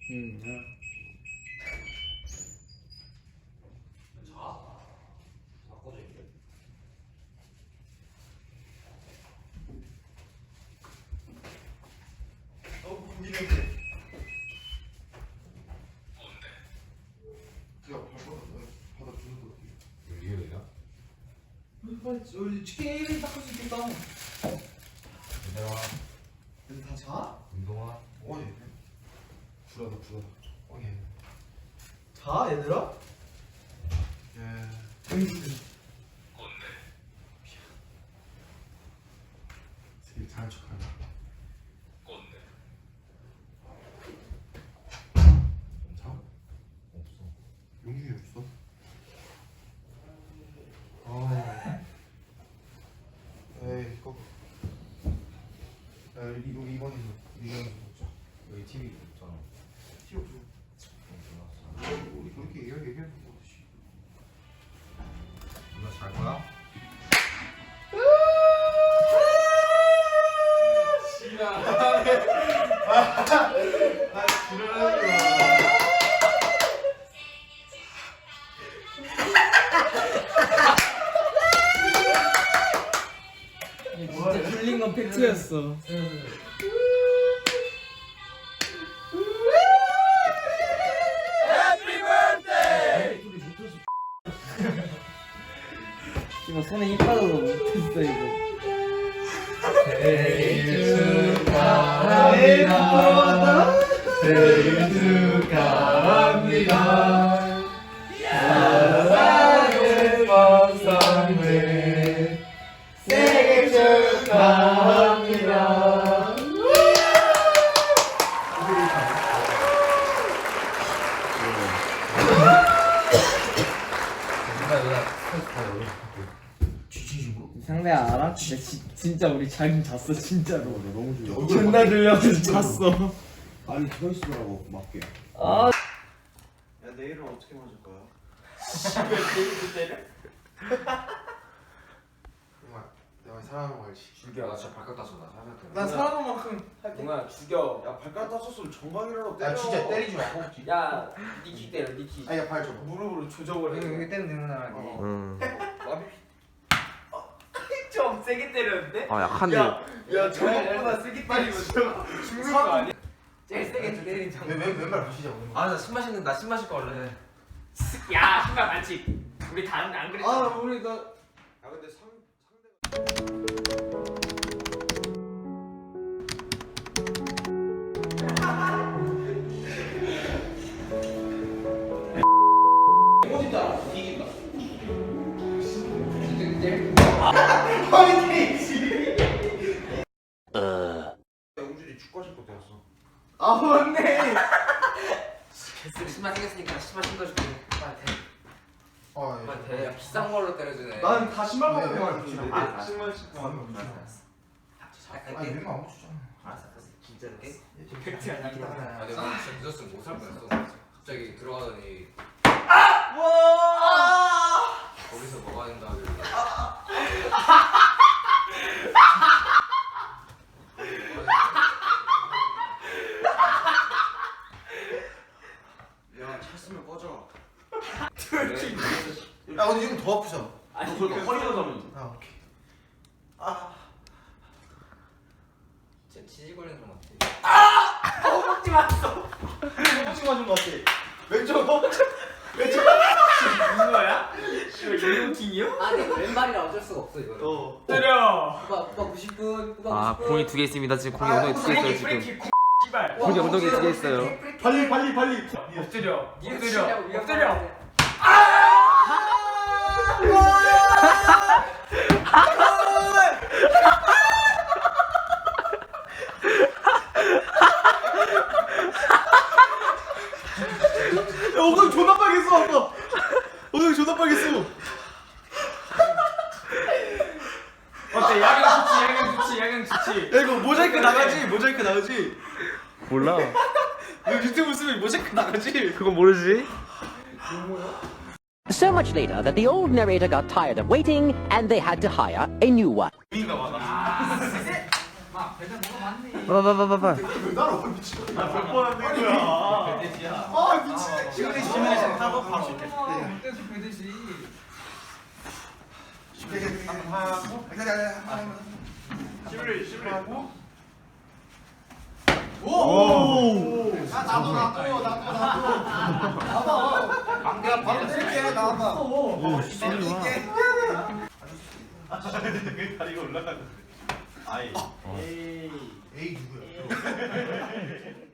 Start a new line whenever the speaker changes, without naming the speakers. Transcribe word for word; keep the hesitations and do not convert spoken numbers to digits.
응.
자, 바꿔줘 이게.
어, 군기 냄새. 뭔데? 야, 발바닥, 바닥 주는 거 어떻게?
리얼이야?
빨리 치킨 닦을 수 있겠다.
얘들아,
근데 다 자?
운동화.
어, 예. 불하다, 불하다. 어, 예.
자, 얘들아?
예.
뭔데?
되게 잘한 척하네.
뭔데?
자?
없어.
용준이 없어? 아. 에이, 이거. 야, 여기 여기 이번에 미련을 먹자.
여기 티비 없잖아.
티 없어. 우리 그렇게 얘기하 얘기하는 거 없이.
누나 잘 거야?
진짜 틀린 건 팩트였어. 이거 손에 힘 빠져서 못했어 이거.
생일 축하합니다. 생일 축하합니다. 사랑의 박상회 생일 축하합니다.
상대야 알아? 진짜 지, 진짜 우리 잘 잤어 진짜로.
너무 좋아.
존나 들려서 잤어.
아니 서 있으라고 맞게.
아.
야 내일은 어떻게 맞을 거야?
왜 내일 때려?
정말 내가 사랑하는 거 알지?
줄기야, 나 진짜 발가락 다쳤어. 나 살살
난 사랑한 만큼 할게.
동아 죽여.
야 발가락 다쳤으면 정강이라도 때려.
야, 진짜
때리지 마. 허벅지.
야 니키 때려 니키.
아야 발 줘.
무릎으로 조정을 해.
여기 때는 되는구나.
어.
좀 세게 때렸는데?
아 약한데.
야 저것보다 세게 때리면 죽는 거 아니야? 제일 세게 때린 장.
왼 왼발 부시자.
아, 나 술 마시는 나 술 마실 거 원래.
야 신발 반칙. 우리 다른데 안 그랬잖아.
아 우리 나.
야 근데 상 영준이 축구 하실 거 되었어.
아 맞네.
신발 생겼으니까 신발 신겨줄게. 빨리 대.
아 예.
빨리 대. 야, 비싼 걸로 때려주네.
난 다 신발만
왜,
벗고
왜,
왔는데.
왜,
아,
왜,
신발 신고 왔는데.
알았어, 알았어.
아니 왼발 안 붙였잖아.
알았어, 알았어.
진짜로?
예,
팩트 아니야.
아, 내가 진짜 늦었으면 못 살 뻔했어. 갑자기 들어가더니
와.
거기서 먹어야 된다 하길래.
야 찼으면 꺼져.
그래?
야 근데 이건 더 아프잖아.
아니 그렇게 허리가 가면.
아 오케이. 아.
진짜 치질 걸리는 것 같아.
허벅지 맞았어.
허벅지 맞은 거 같아.
왼쪽 허벅지. 왼쪽. 무슨 거야? 이거 유효킹이요?
아니, 왼발이라 어쩔 수가 없어 이거는.
어.
때려.
후바 후바 구십 분. 후바
아
구십 분.
공이 두 개 있습니다. 지금 공이 엉덩이 두 개 있어요 지금.
씨발.
공이 엉덩이 두 개 있어요.
발리 발리 발리.
엎드려.
니가
엎드려.
치려고 위협
엎드려.
하는데.
야 엉덩이 존나 빨겠어 아까. 엉덩이 존나 빨겠어.
어때? 야경 좋지, 야경 좋지, 야경 좋지.
야 이거 모자이크 나가지? 모자이크 나가지?
몰라.
이거 유튜브 쓰면 모자이크 나가지?
그건 모르지.
So much later that the old narrator got tired of waiting and they had to hire a new one.
막 배달 뭐가 많네.
봐봐봐봐봐.
왜 따라와 미친.
몇번 하는 거야?
아 미친.
시그널 시뮬레이션 하고 바로 이렇게.
계속 배듯이.
한번 하고. 아니 아니 아니.
시뮬레이션 시뮬레이션.
오. 야 나도 나도 나도 나도. 나도. 내가 바로 칠게 나와봐.
오,
칠게.
다리가 올라가는데. 아이. 에이.
에이 누구야?